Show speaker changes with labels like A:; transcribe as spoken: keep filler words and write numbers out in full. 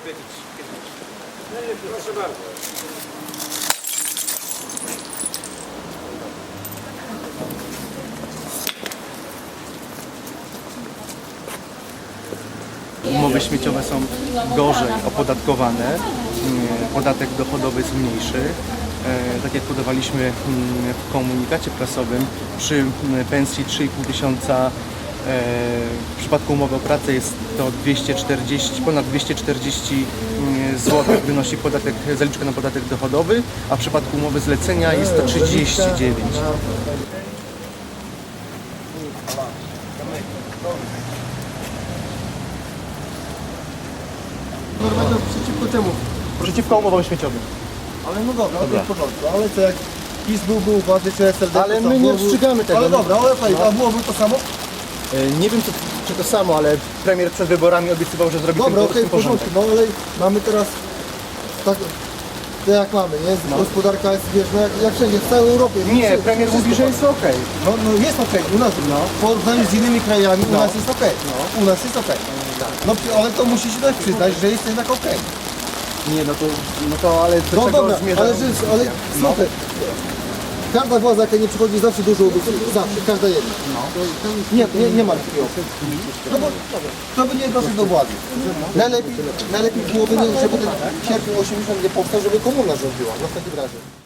A: powiedzieć kiedyś. Proszę bardzo.
B: Umowy śmieciowe są gorzej opodatkowane, podatek dochodowy jest mniejszy. Tak jak podawaliśmy w komunikacie prasowym, przy pensji trzy i pół tysiąca w przypadku umowy o pracę jest to dwieście czterdzieści, ponad dwieście czterdzieści złotych wynosi podatek, zaliczka na podatek dochodowy, a w przypadku umowy zlecenia jest to trzydzieści dziewięć.
C: Normalnie przeciwko temu.
B: Przeciwko umowom śmieciowym.
C: Ale no dobra, dobra. To w porządku. Ale co jak PiS byłby u władzy, czy S L D?
B: Ale my nie ostrzegamy tego.
C: Ale dobra, ale fajnie, a byłoby to samo?
B: Nie wiem czy, czy to samo, ale premier przed wyborami obiecywał, że zrobi
C: Dobra,
B: tym
C: okej, w
B: porządek.
C: porządku, no ale mamy teraz tak, to jak mamy, nie?
B: No.
C: Gospodarka jest, wiesz, no jak, jak wszędzie, w całej Europie.
B: Nie,
C: Wszystko-
B: premier
C: wszystko
B: mówi, że
C: padło.
B: jest okej.
C: No, no jest okej, u nas, no. w porównaniu z innymi krajami, u
B: No.
C: nas jest okej. U nas jest okej. No ale to musisz też przyznać, że jest jednak okej.
B: Nie, no to, no to ale do
C: No
B: czego
C: dobra,
B: zmierza?
C: ale, że, ale słuchaj, każda władza jaka nie przychodzi zawsze dużo obiecuje, zawsze, każda jedna. Nie, nie, nie ma takiego. No bo to by nie doszedł do władzy. Najlepiej, najlepiej byłoby, nie, żeby ten sierpień osiemdziesiąt nie powstał, żeby komuna rządziła, no w takim razie.